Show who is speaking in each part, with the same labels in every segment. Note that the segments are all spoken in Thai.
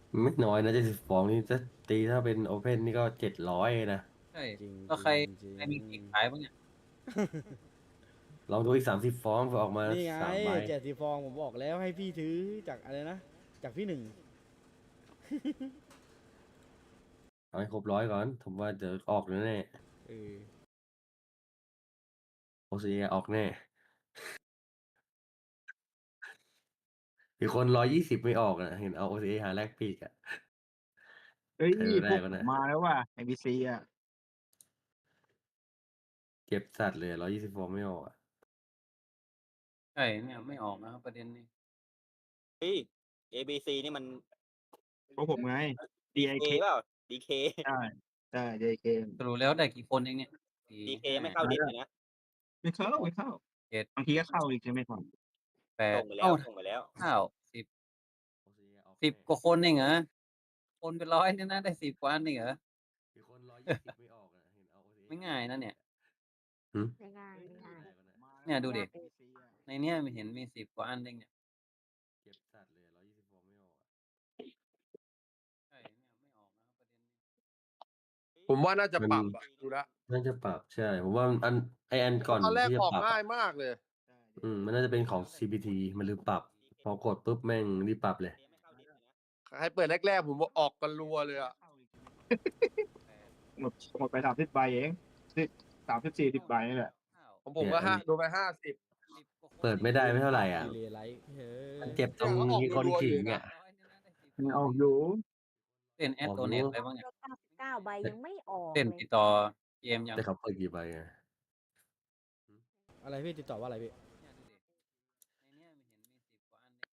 Speaker 1: ไม่น้อยนะ70 ฟองนี่ถ้าตีถ้าเป็นโอเพนนี่ก็700นะ
Speaker 2: ใช่
Speaker 3: จริง
Speaker 2: แล้ว
Speaker 3: จริงจริ
Speaker 2: ใคร
Speaker 3: ง
Speaker 2: มีปีกขายบ้างเนี่ย
Speaker 1: ลองดูอีก30 ฟองเผื่อออกมา
Speaker 3: นี่ไง
Speaker 1: 3 ใบ
Speaker 3: 70 ฟองผมบอกแล้วให้พี่ถือจากอะไรนะจากพี่หนึ่ง
Speaker 1: เอาให้ครบ100ก่อนผมว่าเดี๋ยวออกแน่
Speaker 3: เออ
Speaker 1: โอซีออกแน่อีกคน120ไม่ออกนะเห็นเอาโอซีหาแลกปีกอะ
Speaker 4: เฮ้ย
Speaker 1: ใครไม่
Speaker 4: พวกผม
Speaker 1: ได้ก็นะ
Speaker 4: มาแล้วว่ะ NBC อ่ะ
Speaker 1: เก็บสัตว์เลย120 ฟองไม่ออกอะ
Speaker 2: ใช่เนี่ยไม่ออกนะครับประเด็นนี้
Speaker 5: เฮ้ย ABC นี่มัน
Speaker 4: พวกผมไง
Speaker 5: DK
Speaker 4: DIK
Speaker 5: เปล่า DK
Speaker 4: ใช่ใช่ DIK
Speaker 2: สรุปแล้วได้กี่คนเองเนี่ยสี่
Speaker 5: DK
Speaker 2: ห้า
Speaker 5: ไม่เข้าดิสเลยนะ
Speaker 4: ไม่เข้า
Speaker 2: เจ็ด
Speaker 4: บางทีก็เข้าอีกใช่ไหมก่อน
Speaker 2: แปด
Speaker 5: ส่งไปแล้วส่งไปแล้ว
Speaker 2: เก้าสิบ
Speaker 1: OCA ออก
Speaker 2: สิบ
Speaker 1: แน่
Speaker 2: กว่าคนเองเหรอคนเป็นร้อยเนี่ยนะได้10 กว่าอันเองเหรอ
Speaker 1: อีกคน120ไม่ออกนะเห็นเอา OCA
Speaker 2: ไม่ง่ายนะเนี่ย
Speaker 6: ไม่ง่ายไม่ง่าย
Speaker 2: เนี่ยดูดิ
Speaker 6: ยากเลย
Speaker 2: ในเนี้ยมีเห็นมี10 กว่าอันเองเนี่ย
Speaker 1: เก็บสัตว์เลย120 ฟองไม่ออกอะ
Speaker 2: ใช่เนี่ยไม่ออกนะครับประเด็นนี้
Speaker 7: ผมว่าน่าจะปรับอะดูแล้ว
Speaker 1: น่าจะปรับใช่ผมว่าอันก่อน
Speaker 7: ตอนแรก
Speaker 1: ที่จะ
Speaker 7: ออก
Speaker 1: ปรับ
Speaker 7: ง่ายมากเลย
Speaker 1: มันน่าจะเป็นของ CPT มันลืมปรับ พอกดปุ๊บแม่งรีบปรับเลย
Speaker 7: ให้เปิดแรกๆผมว่าออกกันรัวเลยอะ
Speaker 4: หมดไป30 ใบเอง30-40 ใบนี่แหละ
Speaker 7: ของผมก็
Speaker 1: เนี่ย
Speaker 7: โดนไป50
Speaker 1: เปิดไม่ได้ไม่เท่าไหร่อ่ะ
Speaker 3: ดีเลยไลท์เฮ้
Speaker 1: มัน
Speaker 3: ย
Speaker 1: เจ็บตรง
Speaker 7: เนี่ยเขาออก
Speaker 1: มีคน
Speaker 7: รัวๆ
Speaker 1: ขิง
Speaker 7: อยู่นะ
Speaker 1: อ่ะ
Speaker 4: มันออกอยู่
Speaker 2: เล่นแอด
Speaker 1: ออก
Speaker 2: โดเน
Speaker 1: รู้
Speaker 2: ทอะไรบ้างเนี่ย
Speaker 6: 99 ใบยังไม่ออก
Speaker 2: เล่น
Speaker 6: เลย
Speaker 2: ติดต่อเกมยัง
Speaker 1: แต่เขาเปิดกี่ใบอ่ะ
Speaker 3: อะไรพี่ติดต่อว่าอะไรพี่
Speaker 2: เนี่ยดูดิในเนี้ยมีเห็นมี10 กว่าอันเอง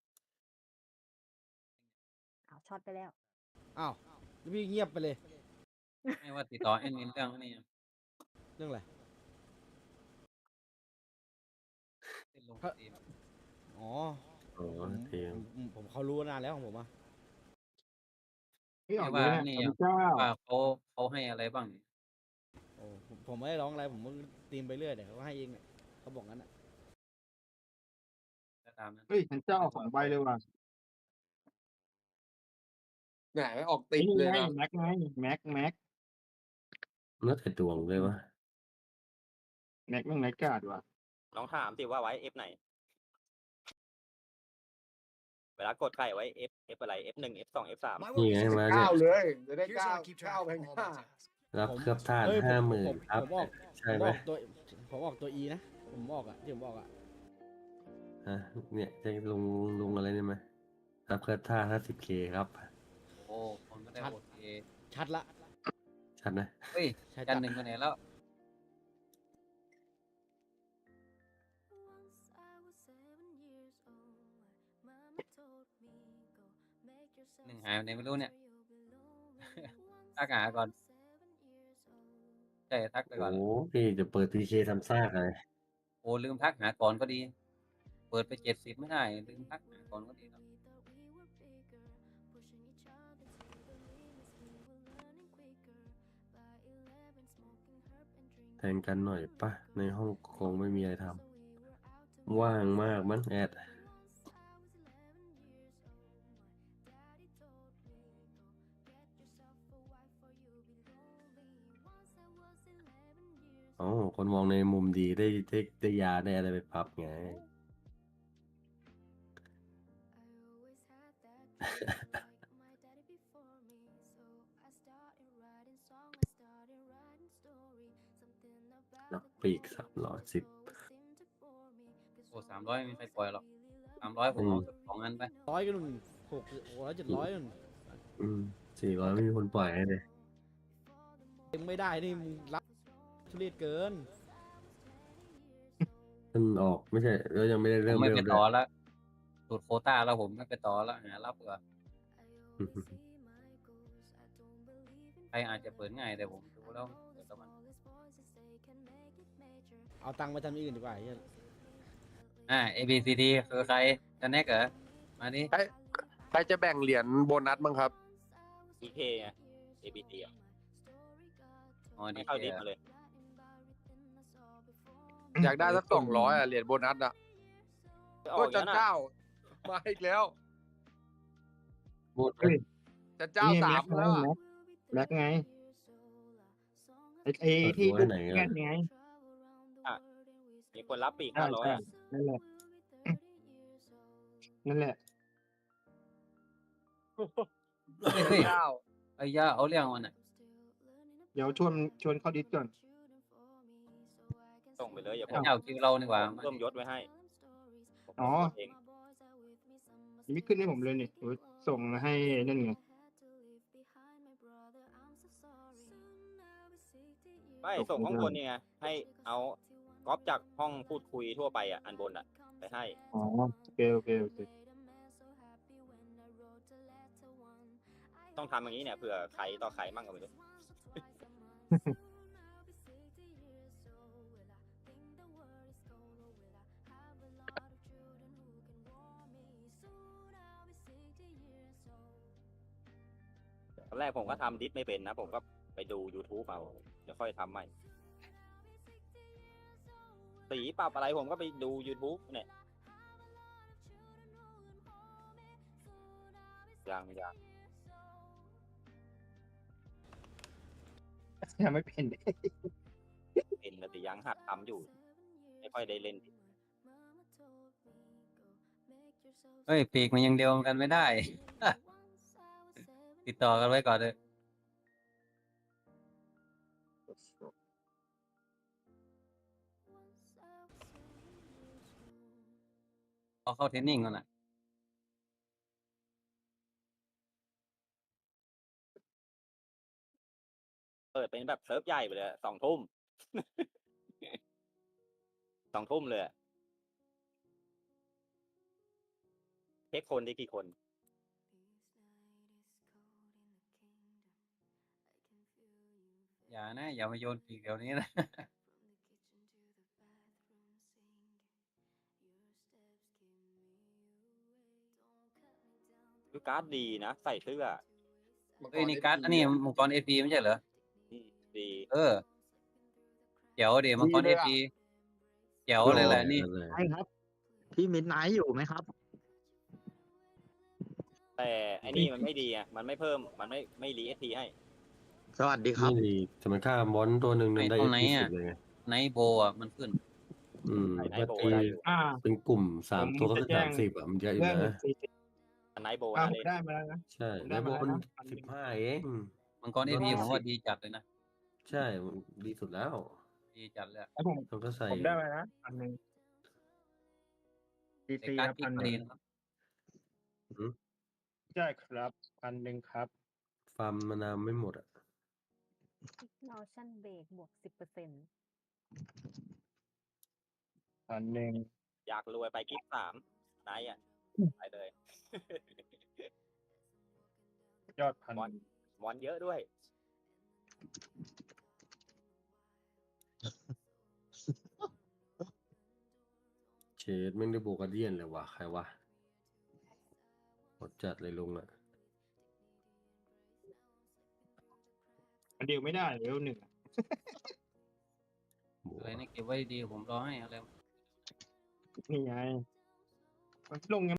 Speaker 6: เอาช็อตไปแล้ว
Speaker 3: อ้าวแล้วพี่เงียบไปเลย
Speaker 2: ไม่ว่าติดต่อแอดมินเรื่องนี้ยัง
Speaker 3: เรื่องอะไร
Speaker 2: เล่นลงสตรีม
Speaker 3: อ๋อ
Speaker 1: อ๋อ
Speaker 3: ผม
Speaker 1: ทีม
Speaker 3: ผมเขารู้นานแล้วของผมอะ
Speaker 4: ไม่ออก
Speaker 2: ว่า
Speaker 4: เลย
Speaker 2: นี่
Speaker 4: เนี่ย
Speaker 2: ยัง
Speaker 4: เจ้า
Speaker 2: ว่าเขาให้อะไรบ้าง
Speaker 3: โอ้ผมไม่ได้ร้องอะไรผมก็ตีมไปเรื่อยเดี๋ยวเขาให้เองเนี่ยเขาบอกงั้นอะ
Speaker 2: ก็ตามนั้น
Speaker 4: เฮ้ยฉันเจ้า2 ใบเลยว่ะ
Speaker 7: ไหนออกติด
Speaker 4: นี่
Speaker 7: เลย
Speaker 4: ไง
Speaker 7: นะ
Speaker 4: แม็กไงแม็ก
Speaker 1: แล้วแต่ดวงเลยวะ
Speaker 4: แม็กกาดว่ะ
Speaker 5: ลองถามสิว่าไว้ F ไหน เวลากดไข่ไว้ F อะไร F1 F2 F3
Speaker 1: นี่ไงมาเนี่ย
Speaker 7: 9 เลย จะได้9แพงห้า
Speaker 1: รับเคลือบท่าน
Speaker 3: เฮ้ย
Speaker 1: 50,000ครับ
Speaker 3: ผมออก
Speaker 1: ใช่
Speaker 3: ผม
Speaker 1: ไหม
Speaker 3: ออกตัวผมออกตัว E นะผมออกอะที่ผมออกอะ
Speaker 1: ฮะเนี่ยจะลงอะไรเนี่ยไหมรับเคลือบท่า 50K ครับ
Speaker 2: โอ้คนก็ได้โอเค
Speaker 3: ชัดละ
Speaker 1: ชัดนะ
Speaker 2: เฮ้ย
Speaker 3: ใช่
Speaker 2: จันหนึ่งไปไหนแล้ว หนึ่งหายไปไหนไม่รู้เนี่ย ทักหาก่อนใช่ทักไปก่อน
Speaker 1: โอ้พี่จะเปิด PK ทำซากเลย
Speaker 2: โอ้ลืมทักหาก่อนก็ดี เปิดไป70ไม่ได้ลืมทักหาก่อนก็ดีครับ
Speaker 1: แทงกันหน่อยปะในห้องคงไม่มีอะไรทำว่างมากมั้งแอดอ๋อคนมองในมุมดีได้ยาได้อะไรไปพับไง นักปีก310
Speaker 2: โอ้300ไม่มีใครปล่อยหรอก300ผมเอา2 อันไป
Speaker 3: 100ก็นุ่น600 700นุ่น
Speaker 1: 400ไม่มีคนปล่อยให้เลย
Speaker 3: ยังไม่ได้นี่มึงรับทุเรศเกิน
Speaker 1: มันออกไม่ใช่แล้วยังไม่ได้
Speaker 2: ผ
Speaker 1: เริ่
Speaker 2: ม
Speaker 1: ม
Speaker 2: ไม่
Speaker 1: เร็ว
Speaker 2: ไป
Speaker 1: ด้
Speaker 2: ต่อ
Speaker 1: วย
Speaker 2: แล้วสูตรโควต้าแล้วผมไม่ไปต่อแล้วหารับเผื่อใครอาจจะเปิดง่ายแต่ผมดูแล้วเปิดแล้วมัน
Speaker 3: เอาตังค์ไปทำอย่างอื่นดีกว่าไอ้เหี้ย
Speaker 2: A B C D คือใครจะแนกเหรอมาดิ
Speaker 7: ใครจะแบ่งเหรียญโบนัสบ้างครับ
Speaker 5: DK ไง ABC อ่ะ
Speaker 2: อ๋อดี
Speaker 5: ไม่เข้าดิสมาเลย
Speaker 7: อยากได้สัก200อ่ะเหรียญโบนัสอ่ะ
Speaker 5: ออ
Speaker 7: ก็
Speaker 5: ก
Speaker 7: จั
Speaker 5: แล้
Speaker 7: น
Speaker 5: วนะ
Speaker 7: เจ้ามาอีกแล้ว
Speaker 1: หมด
Speaker 4: เฮ้ย
Speaker 7: จะเจ้า
Speaker 4: นี่
Speaker 7: สามแล้วอะ
Speaker 4: แม็กไงไอ้
Speaker 1: เปิด
Speaker 4: ที่
Speaker 1: รั้ว
Speaker 4: ลูก
Speaker 1: ไหน
Speaker 4: แก
Speaker 1: อ่ะ
Speaker 4: นไง
Speaker 5: มีคนรับปีก
Speaker 4: ใช่
Speaker 5: 500
Speaker 4: ใช่
Speaker 5: อะ
Speaker 4: นั่นแหละนั่นแหละ
Speaker 2: เฮ้ย
Speaker 7: เจ้า
Speaker 2: ไอ้ย่าเอาเรื่องมันอ่ะ
Speaker 4: เดี๋ยวชวนเข้าดิสก่อน
Speaker 5: ส่งไปเลยอย่าผ
Speaker 2: ไอ้
Speaker 5: ม
Speaker 2: เจ้าคิวเรานี่หว่า
Speaker 5: เพิ่มยศไว้ให้ผม
Speaker 4: อ๋อ
Speaker 5: เพิ่มเอง
Speaker 4: ยังไม่ขึ้นให้ผมเลยนี่โอ้ยส่งให้นั่นไง
Speaker 5: ไม่ส่งข้างบนเนี่ยให้เอาก๊อปจากห้องพูดคุยทั่วไปอ่ะอันบนอ่ะไปให้
Speaker 4: อ๋อโอเคโอเคโอเค
Speaker 5: ต้องทำอย่างนี้เนี่ยเผื่อใครต่อใครมั่งก็ไม่รู้ ตอนแรกผมก็ทำดิสไม่เป็นนะ ผมก็ไปดู YouTube เอาเดี๋ยวค่อยทำใหม่ สีปรับอะไรผมก็ไปดู YouTube เนี่ยยัง
Speaker 4: ยังไม่เป็น
Speaker 5: เป็นแต่ยังหัดทำอยู่ ไม่ค่อยได้เล่น
Speaker 2: เฮ้ยปีกมันยังเดียวกันไม่ได้ ติดต่อกันไว้ก่อนเลยเอาเข้าเทรนนิ่งก่อนนะ
Speaker 5: เปิดเป็นแบบเซิร์ฟใหญ่ไปเลย2 ทุ่ม 2 ทุ่มเลยอะเช็คคนได้กี่คน
Speaker 2: อย่านะอย่ามาโยนปีกเดี๋ยวนี้นะ
Speaker 5: คือการ์ดดีนะ ใส่เสื้อ
Speaker 2: เฮ้ยนี่การ์ดอันนี้มังกรเอพีไม่ใช่เหรอ
Speaker 5: ดี
Speaker 2: เออเดี๋ยวเดี๋ยวมังกร
Speaker 4: ดี
Speaker 2: เอ
Speaker 4: เลยอะ
Speaker 2: พีเดี๋ยวเลยแหละนี่
Speaker 1: นั่นแหละ
Speaker 8: ใช่ครับ พี่มิดไนท์อยู่ไหมครับ
Speaker 5: แต่ไอ้นี่มันไม่ดีอ่ะ มันไม่เพิ่ม มันไม่รีเอสทีให้
Speaker 8: สวัสดีครับ
Speaker 1: นี่ดีจะมันฆ่ามอนตัวหนึ่งนั้นได้
Speaker 2: ตรงไหน
Speaker 1: ยี่
Speaker 2: อะ
Speaker 1: สิบเลยไง
Speaker 2: ไนท์โบอ่ะมันขึ้น
Speaker 1: มัน
Speaker 5: ไนท์โบ
Speaker 1: ตี
Speaker 5: ได้อยู่
Speaker 1: เป็นกลุ่ม3
Speaker 4: ผม
Speaker 1: ตัวก็
Speaker 4: จะ
Speaker 1: คือ
Speaker 4: แจ้ง
Speaker 1: 30อ่ะมันเยอะอยู่
Speaker 4: เรื่อง
Speaker 1: นะ
Speaker 5: อันไนท์โบ
Speaker 4: อ้าว
Speaker 5: นะ
Speaker 4: ผม
Speaker 5: เล่น
Speaker 4: ได้มาแล้วนะ
Speaker 1: ใช่
Speaker 4: ผม
Speaker 1: ใน
Speaker 4: ได้
Speaker 1: โบ
Speaker 4: มาแล้ว
Speaker 1: มัน
Speaker 4: นะ1,000
Speaker 1: 15 เอง
Speaker 2: มังกรเอพีผมว่าดีจัดเลยนะ
Speaker 1: ใช่มันดีสุดแล้ว
Speaker 2: ดีจัดเลยอะ
Speaker 4: แล้วผม
Speaker 1: มันก็ใส่
Speaker 4: ผมได้มานะ1,000ดี
Speaker 2: แต่
Speaker 4: ซี
Speaker 2: การ์ด
Speaker 4: ครับ
Speaker 2: พิกก็ดีนะครับ
Speaker 4: ใช่ครับ1,000ครับ
Speaker 1: ฟาร์มมานาวไม่หมดอ่ะ
Speaker 6: นอชั่นเบรกบวก10%
Speaker 4: 1,000
Speaker 5: อยากรวยไปกิ๊บ3ไนท์อ่ะ ไปเลย
Speaker 4: ยอด
Speaker 5: มอน มอนเยอะด้วย
Speaker 1: เชดแม่งได้โบกาเดียนเลยว่ะใครวะหมดจัดเลยลุงอ่ะ
Speaker 4: มันดิวไม่ได้เลเวล 1
Speaker 1: โบ
Speaker 2: อะไรนี่เก็บไว้ดีผมรอให้อะไร
Speaker 4: นี่ไงมันลง